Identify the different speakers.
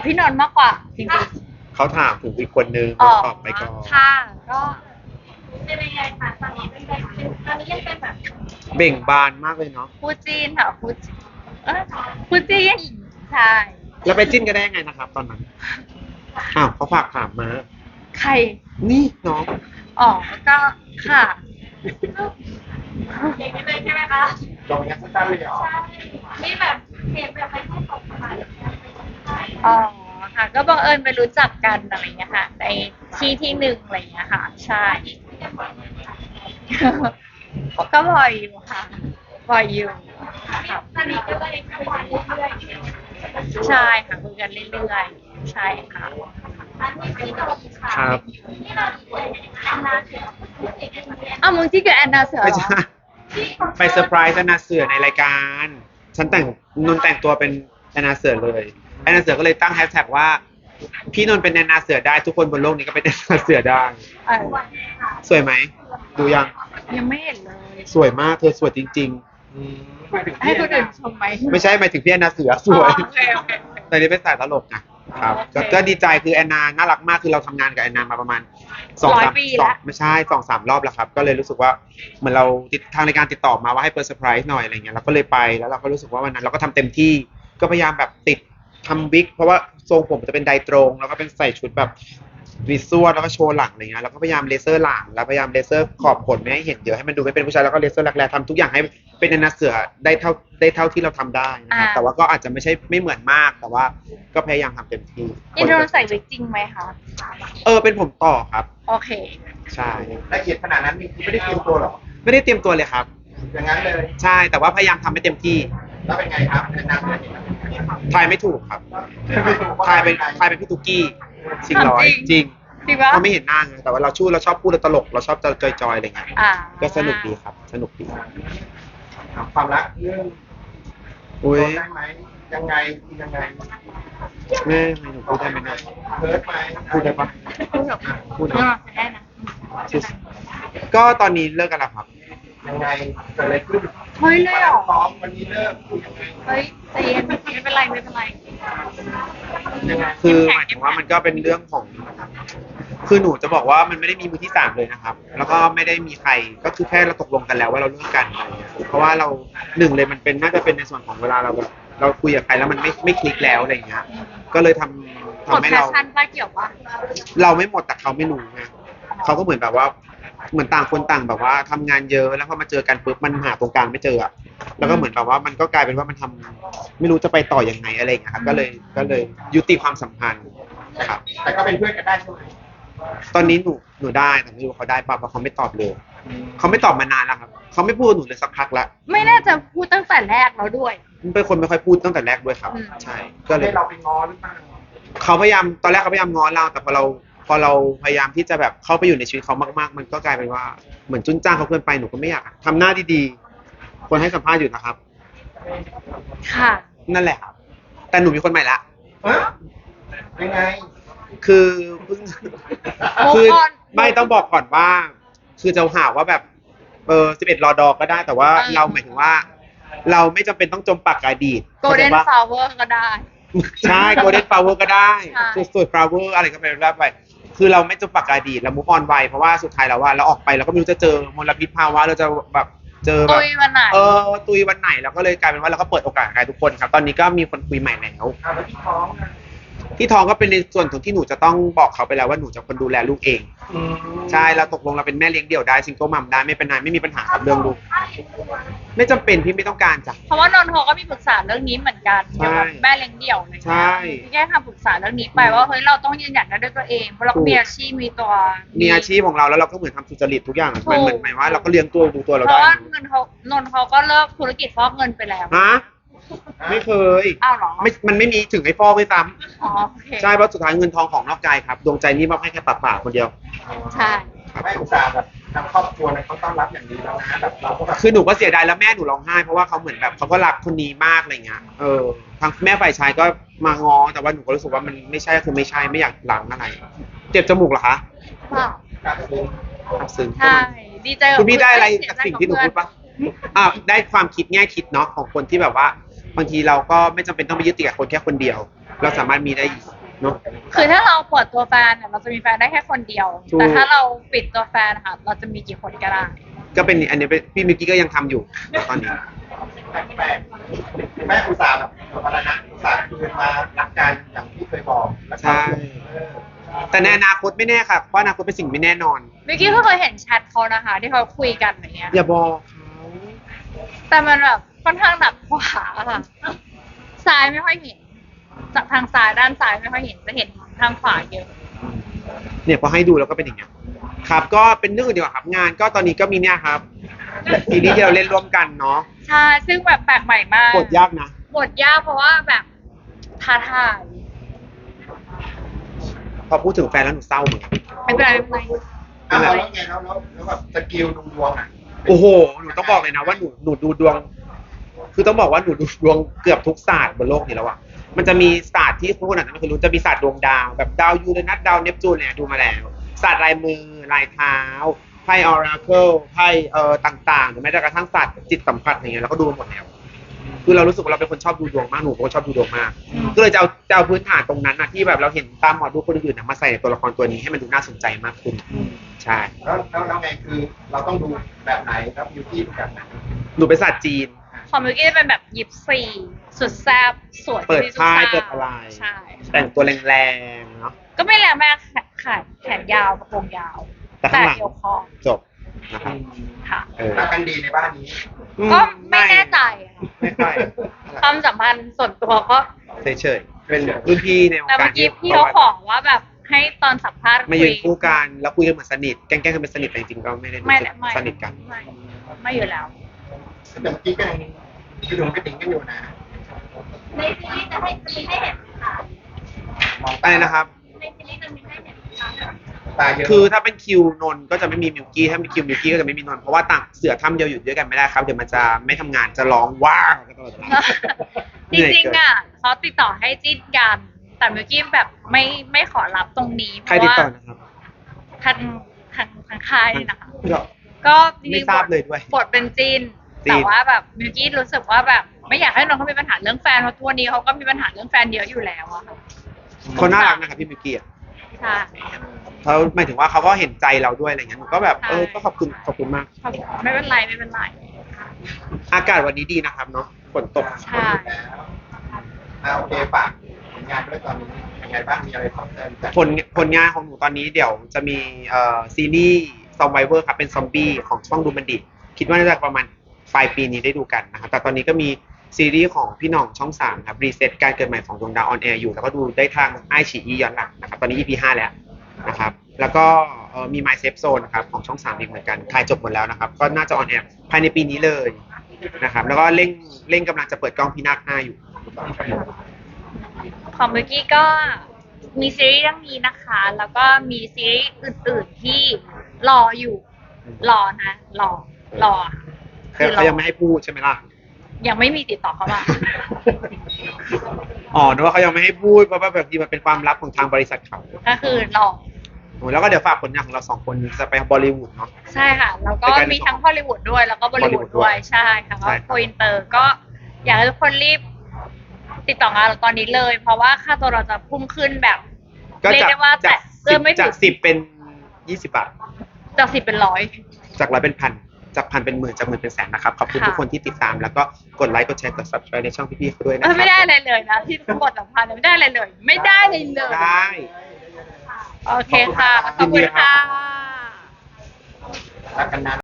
Speaker 1: กับพี่นนท์มากกว่าจริง
Speaker 2: เขาถามถึงอีกคนนึง
Speaker 1: ๆอ๋อ
Speaker 2: ตอบไปก่อน
Speaker 1: ค่ะก็
Speaker 3: เป็นยังไงคะตอนนี้เป็นแบบตอนนี้ยังเป็นแบบ
Speaker 2: เบ่งบานมากเลยเนาะ
Speaker 1: คู่จีนค่ะคู่จีนคู่จีนใช่
Speaker 2: แล้วไปจิ้นกันได้ยังไงนะครับตอนนั้นอ้าวเขาฝากถามมา
Speaker 1: ใคร
Speaker 2: นี่น้อง
Speaker 1: อ๋อก็ค่ะ
Speaker 3: เด็กนิดนึงใช่ไหมคะ
Speaker 2: ลองยัดสั้นเลยเหรอ
Speaker 3: ใช่นี่แบบเห็นแบบไปแค่สองสาย
Speaker 1: อ๋อค่ะก็บังเอิญไปรู้จักกันอะไรเงี้ยค่ะในที่หนึ่งอะไรเงี้ยค่ะใช่ก็บ่อยอยู่ค่ะบ่อยอยู่ค่ะ
Speaker 3: ตอนนี้ก็เลยคุยกันเรื่อย
Speaker 1: ใช่ค่ะคุยกันเรื่อยๆใช่ค่ะ
Speaker 3: ๆอันนี้ที่เราค่ะ
Speaker 2: ครับ
Speaker 3: ที่เราแอนนาเสียเด็กคนนี้
Speaker 1: อ้าวมึงที่กับแอนนาเสือ
Speaker 2: ไม่
Speaker 1: เหรอ
Speaker 2: ใช่ไปเซอร์ไพรส์แอนนาเสือในรายการฉันนนแต่งตัวเป็นแอนนาเสือเลยแอนนาเสือก็เลยตั้งแฮชแท็กว่าพี่นนเป็นแอนนาเสือได้ทุกคนบนโลกนี้ก็เป็นแอนนาเสือได้
Speaker 1: เออ
Speaker 2: สวยไหมดูยัง
Speaker 1: ยังไม่เห็นเลย
Speaker 2: สวยมากเธอสวยจริง
Speaker 1: ให้คนอื่นชมไหม
Speaker 2: ๆไม่ใช่หมายถึงพี่แอนนาเสือสวย
Speaker 1: โอเค
Speaker 2: ตอนนี้เป็นสายตลกนะครับก็ดีใจคือแอนนาน่ารักมากคือเราทำงานกับแอนนามาประมาณไม่ใช่2-3รอบแล้วครับก็เลยรู้สึกว่าเหมือนเราทางรายการติดต่อมาว่าให้เปิดเซอร์ไพรส์หน่อยอะไรเงี้ยเราก็เลยไปแล้วเราก็รู้สึกว่าวันนั้นเราก็ทำเต็มที่ก็พยายามแบบติดทำวิกเพราะว่าทรงผมจะเป็นไดตรงแล้วก็เป็นใส่ชุดแบบวิซวลแล้วก็โชว์หลังอะไรเงี้ยแล้วก็พยายามเลเซอร์หลังแล้วพยายามเลเซอร์ขอบขนไม่ให้เห็นเยอะให้มันดูไม่เป็นผู้ชายแล้วก็เลเซอร์แรกๆทำทุกอย่างให้เป็นแอนนาเสือได้เท่าที่เราทำได้นะครับแต่ว่าก็อาจจะไม่เหมือนมากแต่ว่าก็พยายามทำเต็มที่
Speaker 1: อินโดนใส่วิกจริงไหมคะ
Speaker 2: เป็นผมต่อครับ
Speaker 1: โอเค
Speaker 2: ใช่
Speaker 4: ละเอียดขนาดนั้นไม่ได้เตรียมตัวหรอ
Speaker 2: ไม่ได้เตรียมตัวเลยครับ
Speaker 4: อย่างนั้นเลย
Speaker 2: ใช่แต่ว่าพยายามทำให้เต็มที่
Speaker 4: แล้วเป็นไงครับแนะน
Speaker 2: ทายไม่ถูกครับทายเป็นพี่ตุ๊กกี้ชิงร้อยจริงเขาไม่เห็นหน้าไงแต่ว่าเราชอบพูดเราตลกเราชอบจอยอะไรเงี้ยก็สนุกดีครับสนุกดี
Speaker 4: ความรักเรื่องได้ไหมยังไง
Speaker 2: แม่ให้หนูพูดได้ไหมนะ
Speaker 4: เพิร์ดไหม
Speaker 2: พูดได้ปะพูด
Speaker 1: ได้นะ
Speaker 2: ก็ตอนนี้เลิกกันแล้วครับ
Speaker 4: ยังไงเกิดอะไรขึ้น
Speaker 1: เฮ้ยเลยเหรอ
Speaker 4: พร้อมวันนี้เลิกยังไง
Speaker 1: เฮ้ยใจเย็นไม่เป็นไร
Speaker 2: คือหมายถึงว่ามันก็เป็นเรื่องของคือหนูจะบอกว่ามันไม่ได้มีมือที่3เลยนะครับแล้วก็ไม่ได้มีใครก็คือแค่เราตกลงกันแล้วว่าเราเลิกกันอะไรเงี้ยเพราะว่าเราหนึ่งเลยมันเป็นน่าจะเป็นในส่วนของเวลาเราคุยกับใครแล้วมันไม่คลิกแล้วอะไรเงี้ยก็เลยทำให้เรา
Speaker 1: เกี่ยวปะ
Speaker 2: เราไม่หมดแต่เขาไม่รู้ไงเขาก็เหมือนแบบว่าเหมือนต่างคนต่างแบบว่าทำงานเยอะแล้วพอมาเจอกันปุ๊บมันหาตรงกลางไม่เจออะแล้วก็เหมือนแบบว่ามันก็กลายเป็นว่ามันทำไม่รู้จะไปต่อยังไงอะไรอย่างเงี้ยครับก็เลยยุติความสัมพันธ์ครับ
Speaker 4: แต่ก็เป็นเพื่อนกันได้ใช่ไหม
Speaker 2: ตอนนี้หนูได้แต่ไม่รู้เขาได้ป่ะเพราะเขาไม่ตอบเลยเขาไม่ตอบมานานแล้วครับเขาไม่พูดหนูเลยสักพักแล้ว
Speaker 1: ไม่น่าจะพูดตั้งแต่แรกแล้วด้วย
Speaker 2: เป็นคนไม่ค่อยพูดตั้งแต่แรกด้วยครับใช่ก็เลย
Speaker 4: เราไปง้อหรือเปล่า
Speaker 2: เขาพยายามตอนแรกเขาพยายามง้อเราแต่พอเราพยายามที่จะแบบเข้าไปอยู่ในชีวิตเขามากๆมันก็กลายเป็นว่าเหมือนจุนจ้างเขาเกินไปหนูก็ไม่อยากทำหน้าดีๆคนให้สัมภาษณ์อยู่นะครับ
Speaker 1: ค่ะ
Speaker 2: นั่นแหละครับแต่หนูมีคนใหม่ละ
Speaker 4: ยังไง
Speaker 2: คือไม่ต้องบอกก่อนว่าคือจะหาว่าแบบ11 รอดอก็ได้แต่ว่าเราหมายถึงว่าเราไม่จำเป็นต้องจมปักอดีต
Speaker 1: Golden Flower ก็ได้
Speaker 2: ใช่ Golden Flower ก็ได้สวย Flower อะไรก็เป็นไปคือเราไม่จมปักอดีตเรามูฟออนไวเพราะว่าสุดท้ายแล้วว่าเราออกไปเราก็ไม่รู้จะเจอมลพิษภาวะเราจะแบบเจอแบบ
Speaker 1: ตุยวันไหน
Speaker 2: ตุยวันไหนเราก็เลยกลายเป็นว่าเราก็เปิดโอกาสให้ทุกคนครับตอนนี้ก็มีคนคุยใหม่แล้ว
Speaker 4: แล้ว
Speaker 2: ที่ท้องก็เป็นในส่วนของที่หนูจะต้องบอกเขาไปแล้วว่าหนูจะคนดูแลลูกเองใช่เราตกลงเราเป็นแม่เลี้ยงเดี่ยวได้ซิงเกิลมัมได้ไม่เป็นไรไม่มีปัญหากับเรื่องลูกไม่จำเป็นพี่ไม่ต้องการจ้ะ
Speaker 1: เพราะว่านนท์เขาก็มีปรึกษาเรื่องนี้เหมือนกันเกี่ยวกับแม่เลี้ยงเดี่ยวอะไร
Speaker 2: ใช่
Speaker 1: แค่คำปรึกษาเรื่องนี้ไปว่าเฮ้ยเราต้องยืนหยัดได้ด้วยตัวเองเพราะเรามีอาชีพมี
Speaker 2: อาชีพของเราแล้วเราก็เหมือนทำสุจริตทุกอย่างมันเหมือนหมายว่าเราก็เลี้ยงตัวดูตัวเราได้
Speaker 1: เพราะว่าเงินเขานนท์เขาก็เลิกธุรกิจฟอกเงินไปแล้ว
Speaker 2: ไม่เคย
Speaker 1: อ้าวเหรอ
Speaker 2: มันไม่มีถึงไอ้ฟอกไม่ซ้
Speaker 1: ำ
Speaker 2: ใช่เพราะสุดท้ายเงินทองของนอกใจครับดวงใจนี่มอบให้แค่ปากคนเดียว
Speaker 1: ใช่
Speaker 4: ไม่อุตส่าห์แบบทางครอบครัวเขาต้อนรับอย่างดีแล้วนะแบบเราก็แบบ
Speaker 2: คือหนูก็เสียดายแล้วแม่หนูร้องไห้เพราะว่าเขาเหมือนแบบเขาก็รักคนนี้มากอะไรเงี้ยทางแม่ฝ่ายชายก็มาง้อแต่ว่าหนูก็รู้สึกว่ามันไม่ใช่คือไม่ใช่ไม่อยากหลังอะไรเจ็บจมูกเหรอคะซึ้ง
Speaker 1: ใช่ดีใจ
Speaker 2: คุณพี่ได้อะไรจากสิ่งที่หนูพูดปะได้ความคิดแง่คิดเนาะของคนที่แบบว่าบางทีเราก็ไม่จำเป็นต้องไปยึดติดกับคนแค่คนเดียวเราสามารถมีได้อีกเนาะ
Speaker 1: คือถ้าเราเปิดตัวแฟนเนี่ยเราจะมีแฟนได้แค่คนเดียว
Speaker 2: ถูก
Speaker 1: แต่ถ้าเราปิดตัวแฟนค่ะเราจะมีกี่คนก็ได้
Speaker 2: ก็เป็นอันนี้พี่มิกกี้ก็ยังทำอยู่ตอนนี้
Speaker 4: แปลกแม่อุตส่าห์แบบสมรณะอุตส่าห์คืนมารักกันอย่างที่เคยบอกแล้วก็
Speaker 2: ใช่ แต่ในอนาคตไม่แน่ค่ะเพราะอนาคตเป็นสิ่งไม่แน่นอน
Speaker 1: มิกกี้ก็เคยเห็นแชทเขานะคะ ที่เขาคุยกันอย่างเงี้ย
Speaker 2: อย่าบอกเขา
Speaker 1: แต่มันแบบค่อนข้างหนักขวาค่ะซ้ายไม่ค่อยเห็นจากทางซ้ายด้านซ้ายไม่ค่อยเห็นจะเห็นทางขวาเยอะ
Speaker 2: เนี่ยพอให้ดูแล้วก็เป็นอย่างเงี้ยครับก็เป็นเรื่องอื่นดีกว่าครับงานก็ตอนนี้ก็มีเนี่ยครับซีรีส์ที่เราเล่นร่วมกันเนาะ
Speaker 1: ใช่ซึ่งแบบแปลกใหม่มาก
Speaker 2: กดยากนะ
Speaker 1: บทยากเพราะว่าแบบท้าทาย
Speaker 2: พอพูดถึงแฟนแล้วหนูเศร้าเหมือนกัน
Speaker 1: ไม่เป็นไรไม่เป็นไร
Speaker 4: อ้าวแล้วไงแล้วแบบสกิลดูดวงอ่ะ
Speaker 2: โอ้โหหนูต้องบอกเลยนะว่าหนูดูดวง คือต้องบอกว่าหนูดูดวงเกือบทุกศาสตร์บนโลกนี้แล้วอะมันจะมีศาสตร์ที่ทุกคนอาจจะไม่เคยรู้จะมีศาสตร์ดวงดาวแบบดาวยูเรนัสดาวเนปจูนเนี่ยดูมาแล้วศาสตร์ลายมือลายเท้าไพ่ออราเคิลไพ่ต่างๆหรือแม้แต่กระทั่งศาสตร์จิตสัมผัสอย่างเงี้ยเราก็ดูมาหมดแล้วคือเรารู้สึกว่าเราเป็นคนชอบดูดวงมากหนูเป็นคนชอบดูดวงมากก็เลยจะเอาพื้นฐานตรงนั้นนะที่แบบเราเห็นตามหมอดูคนอื่นๆนะมาใส่ในตัวละครตัวนี้ให้มันดูน่าสนใจมากขึ้นใช่
Speaker 4: แล้วไงคือเราต้องดูแบบไหนครับยูที่ดูแบบไหน
Speaker 2: หนูเป็นศาสตร์จีน
Speaker 1: ของมิวกี้จะเป็นแบบยิปซีสุดแซ่บสวย
Speaker 2: เปิด
Speaker 1: ที่สุ
Speaker 2: ค่าย
Speaker 1: ทราบ
Speaker 2: เปิดอะไร
Speaker 1: ใช่
Speaker 2: แต่งตัวแรงๆเนาะ
Speaker 1: ก็ไม่แรงมากแขนยาวกระโปรงยาว
Speaker 2: แต่ข้างหลัง
Speaker 1: เอวคอ
Speaker 2: จบนะครับ
Speaker 1: ค่ะ
Speaker 4: รักกันดีในบ้านนี้
Speaker 1: ก็ไม่แน่ใจอะ
Speaker 2: ไม่ค่อย
Speaker 1: ความสัมพันธ์ส่วนตัวก็
Speaker 2: เฉยๆเป็นรุ่นพี่ในวง
Speaker 1: แต่
Speaker 2: กา
Speaker 1: เมื่
Speaker 2: ร
Speaker 1: อกี้พี่เขาขอว่าแบบให้ตอนสัมภาษณ์
Speaker 2: มายืนคู่กันแล้วคุยกันเหมือนสนิทแกล้งๆกันเป็นสนิทแต่จริงๆก็ไม่ได้รู้
Speaker 1: ไม่
Speaker 2: สึก
Speaker 1: ไม่
Speaker 2: สนิทกัน
Speaker 1: ไม่อยู่แล้ว
Speaker 4: แต่เมื่อกี้ก็ยังกระดุมกระดิ่งกันอยู่นะ
Speaker 3: ในซีรีส์จะมีให้เห็นค่ะ
Speaker 4: มอง
Speaker 2: อะไรนะครับ
Speaker 3: ในซีรีส์จะมีให้เห็นค่ะ
Speaker 4: ตาเยอะ
Speaker 2: คือถ้าเป็นคิวนนท์ก็จะไม่มีมิวกี้ถ้าเป็นคิวมิวกี้ก็จะไม่มีนนท์เพราะว่าต่างเสือถ้ำเดียวอยู่ด้วยกันไม่ได้ครับเดี๋ยวมันจะไม่ทำงานจะร้องว้าวกันตลอดเวลา
Speaker 1: จริงๆอ่ะเขาติดต่อให้จิ้นกัน แต่มิวกี้แบบไม่ขอรับตรงนี้เพ
Speaker 2: ใคร
Speaker 1: ราะ
Speaker 2: ติด
Speaker 1: ว่า
Speaker 2: ต่อนะครับ
Speaker 1: ทางค่ายนี่นะคะ
Speaker 2: ก็
Speaker 1: ก็จริ
Speaker 2: ไม่
Speaker 1: งๆ
Speaker 2: ทราบเลยด้วย
Speaker 1: บทเป็นจีน
Speaker 2: จีน
Speaker 1: แต่ว่าแบบมิวกี้รู้สึกว่าแบบ ไม่อยากให้น้องเขามีปัญหาเรื่องแฟนเพราะตัวนี้เขาก็มีปัญหาเรื่องแฟนเยอะอยู่แล้วอะค่ะ
Speaker 2: เขาน่ารักนะครับพี่มิวกี้อะ
Speaker 1: ใช่
Speaker 2: เขาหมายถึงว่าเขาก็เห็นใจเราด้วยอะไรเงี้ยหนูก็แบบ
Speaker 1: ใช่
Speaker 2: ก็ขอบคุณมาก
Speaker 1: ไม่เป็นไรไม่เป็นไร
Speaker 2: อากาศวันนี้ดีนะครับเนาะฝนตก
Speaker 1: ใช่
Speaker 4: แล้วโอเคฝากผลงานด้วยตอนนี้ยังไงบ้างมีอะไรเพิ่มเติมจาก
Speaker 2: ผลงานของหนูตอนนี้เดี๋ยวจะมีซีรีส์ Survivor ครับเป็นซอมบี้ของช่องดูมันดิคิดว่าน่าจะประมาณปลายปีนี้ได้ดูกันนะครับแต่ตอนนี้ก็มีซีรีส์ของพี่หน่องช่อง3ครับรีเซ็ตการเกิดใหม่ของดวงดาวออนแอร์อยู่แล้วก็ดูได้ทางไอฉีอีย้อนหลังนะครับตอนนี้ EP 5แล้วนะครับแล้วก็มี My Safe Zone นะครับของช่อง3อีกเหมือนกันถ่ายจบหมดแล้วนะครับก็น่าจะออนแอร์ภายในปีนี้เลยนะครับแล้วก็เร่งกำลังจะเปิดกล้องพี่นาค5อยู่
Speaker 1: ของมิวกี้ก็มีซีรีส์เรื่องนี้นะคะ แล้วก็มีซีรีส์อื่นๆที่รออยู่ รอนะรอ
Speaker 2: เขายังไม่ให้พูดใช่ไหมล่ะ
Speaker 1: ยังไม่มีติดต่อเข้ามา
Speaker 2: อ๋อนึกว่าเขายังไม่ให้พูดเพราะว่าแบบนี้มันเป็นความลับของทางบริษัทเขา
Speaker 1: ก็คือรอ
Speaker 2: โอ้แล้วก็เดี๋ยวฝากผลงานของเรา2คนจะไปบอลลีวูดเนาะ
Speaker 1: ใช่ค่ะ แล้วก็มีทั้งฮอลลีวูดด้วยแล้วก็บอลลีวูด
Speaker 2: Bollywood ด้
Speaker 1: ด้
Speaker 2: ว
Speaker 1: วย ยใช่ค่ะ
Speaker 2: ใช่
Speaker 1: ก็
Speaker 2: ครับ
Speaker 1: โกอินเตอร์ก็อยากให้ทุกคนรีบ ติดต่องานเราตอนนี้เลย เพราะว่าค่าตัวเราจะพุ่งขึ้นแบบ
Speaker 2: ก็
Speaker 1: เรียกได้ว่าแต่เริ่มไม่ถึ
Speaker 2: จาก
Speaker 1: ง
Speaker 2: 10เป็น20 บาท
Speaker 1: จาก10เป็นร้อย
Speaker 2: จาก100เป็นพันจากพันเป็นหมื่นจากหมื่นเป็นแสนนะครับขอบคุณ
Speaker 1: ค่ะ
Speaker 2: ทุกคนที่ติดตามแล้วก็กดไลค์กดแชร์กด subscribe ในช่องพี่ๆเขาด้วยนะค
Speaker 1: ไม่ได้
Speaker 2: รับ
Speaker 1: อะไรเลยนะที่บทสัมพันธ์ไม่ได้อะไรเลย ไม่ได้เลยเลย
Speaker 2: ได้
Speaker 1: โอเคค่ะ ขอบคุณค่ะ
Speaker 4: รักกันนาน